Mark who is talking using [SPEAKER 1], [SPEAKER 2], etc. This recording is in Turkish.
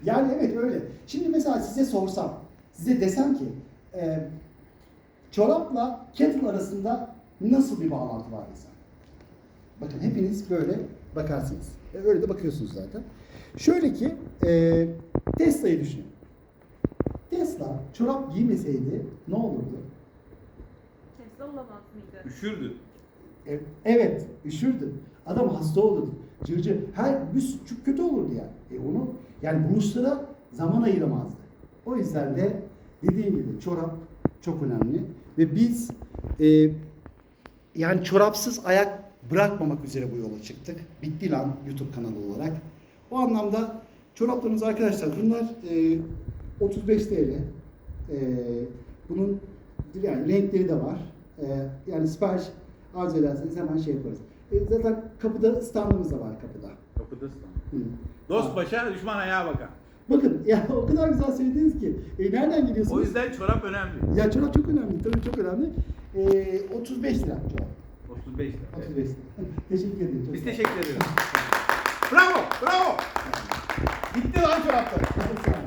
[SPEAKER 1] Yani evet öyle. Şimdi mesela size sorsam, size desem ki çorapla kettle arasında nasıl bir bağlantı var desem. Bakın hepiniz böyle bakarsınız. Öyle de bakıyorsunuz zaten. Şöyle ki Tesla'yı düşünün. Tesla çorap giymeseydi ne olurdu?
[SPEAKER 2] Tesla olamaz mıydı?
[SPEAKER 3] Üşürdü.
[SPEAKER 1] Evet, üşürdü. Adam hasta olurdu. Cırcır. Çok kötü olurdu yani. Onu yani buluşlara zaman ayıramazdı. O yüzden de dediğim gibi çorap çok önemli ve biz yani çorapsız ayak bırakmamak üzere bu yola çıktık. Bitti lan YouTube kanalı olarak. O anlamda çoraplarımız arkadaşlar bunlar 35 TL. Bunun yani renkleri de var. Yani sipariş arzu ederseniz hemen şey yaparız. Zaten kapıda standımız da var kapıda.
[SPEAKER 3] Kapıdasın.
[SPEAKER 1] Hı.
[SPEAKER 3] Dost başa, düşman ayağa bakar.
[SPEAKER 1] Bakın ya o kadar güzel söylediniz ki. Nereden geliyorsunuz?
[SPEAKER 3] O yüzden çorap önemli.
[SPEAKER 1] Ya çorap çok önemli. Tabii çok önemli. 35 lira çorap.
[SPEAKER 3] 35 lira.
[SPEAKER 1] 35 lira. Teşekkür ederim. Çok
[SPEAKER 3] Biz
[SPEAKER 1] sağ olun.
[SPEAKER 3] teşekkür ederiz. Bravo, bravo. Gitti lan çoraplar.
[SPEAKER 1] Çok sağ olun.